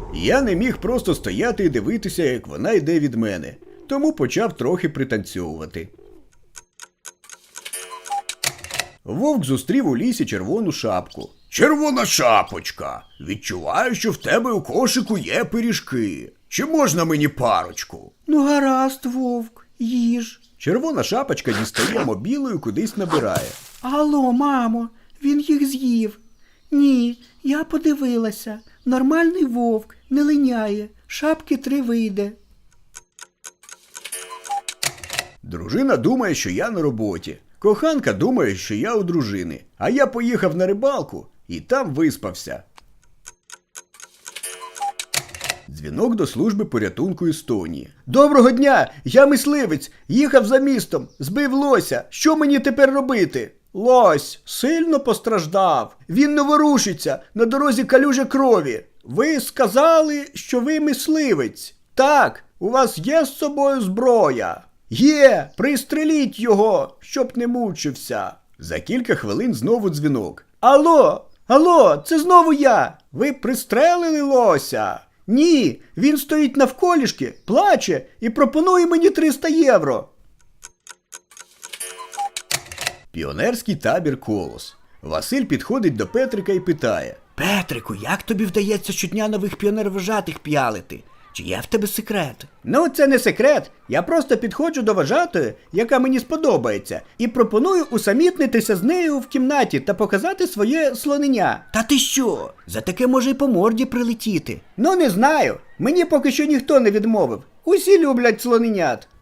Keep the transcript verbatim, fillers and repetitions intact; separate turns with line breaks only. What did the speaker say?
Я не міг просто стояти і дивитися, як вона йде від мене, тому почав трохи пританцьовувати. Вовк зустрів у лісі червону шапку. «Червона шапочка! Відчуваю, що в тебе у кошику є пиріжки. Чи можна мені парочку?»
Ну гаразд, вовк, їж.
Червона шапочка дістає мобілу і кудись набирає.
Алло, мамо, він їх з'їв. Ні, я подивилася. Нормальний вовк, не линяє. Шапки три вийде.
Дружина думає, що я на роботі. Коханка думає, що я у дружини. А я поїхав на рибалку і там виспався. Дзвінок до служби порятунку Естонії. «Доброго дня! Я мисливець! Їхав за містом! Збив лося! Що мені тепер робити?» «Лось сильно постраждав! Він не ворушиться! На дорозі калюжа крові! Ви сказали, що ви мисливець!» «Так! У вас є з собою зброя?» «Є! Пристреліть його, щоб не мучився!» За кілька хвилин знову дзвінок. «Алло! Алло! Це знову я! Ви пристрелили лося?» «Ні! Він стоїть навколішки, плаче і пропонує мені триста євро!» Піонерський табір «Колос». Василь підходить до Петрика і питає.
Петрику, як тобі вдається щодня нових піонер-вожатих п'ялити? Чи є в тебе секрет?
«Ну, це не секрет. Я просто підходжу до вожатої, яка мені сподобається, і пропоную усамітнитися з нею в кімнаті та показати своє слонення».
Та ти що? За таке може й по морді прилетіти.
«Ну, не знаю. Мені поки що ніхто не відмовив. Усі люблять слоненят».